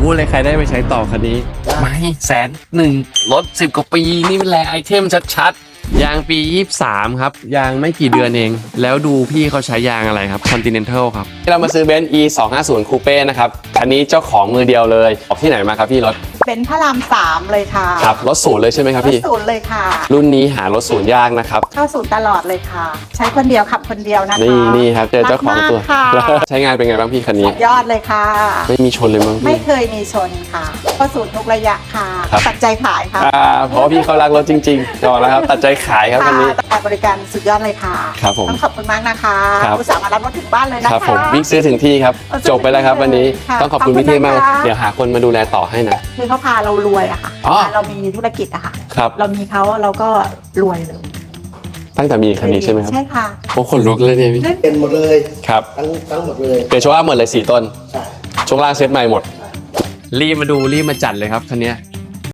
พูดเลยใครได้ไปใช้ต่อคันนี้ไม่101,000รถ10 กว่าปีนี่เป็นแรไอเทมชัดๆยางปี23ครับยางไม่กี่เดือนเองแล้วดูพี่เขาใช้ยางอะไรครับ Continental ครับเรามาซื้อเบนซ์ E250 Coupe นะครับคันนี้เจ้าของมือเดียวเลยออกที่ไหนมาครับพี่รถเป็นพระราม3เลยค่ะครับรถศูนย์เลยใช่ไหมครับพี่รถศูนย์เลยค่ะรุ่นนี้หารถศูนย์ยากนะครับเข้าศูนย์ตลอดเลยค่ะ ใช้คนเดียวขับคนเดียวนะคะนี่ครับเจอเจ้าของตัว ใช้งานเป็นไงบ้างพี่คันนี้ยอดเลยค่ะไม่มีชนเลยมั้งไม่เคยมีชนค่ะเข้าศูนย์ทุกระยะค่ะตัดใจขายค่ะเพราะพี่เขารักรถจริงๆบอกแล้วครับตัดใจขายครับคันนี้การบริการสุดยอดเลยค่ะครับผมต้องขอบคุณมากนะคะอุตส่าห์มารับรถถึงบ้านเลยนะคะครับผมวิ่งซื้อถึงที่ครับจบไปแล้วครับวันนี้ต้องขอบคุณพี่เท่มากเดี๋ยวหาคนมาดูแลต่อให้นะคือเขาพาเรารวยอะค่ะเรามีธุรกิจอะค่ะเรามีเขาเราก็รวยเลยตั้งแต่มีคันนี้ใช่ไหมครับใช่ค่ะโอ้ขนลุกเลยเนี่ยพี่เป็นหมดเลยครับทั้งหมดเลยเปลี่ยนช่วงล่างหมดเลย4 ต้นช่วงล่างเซตใหม่หมดรีบมาดูรีบมาจัดเลยครับคันนี้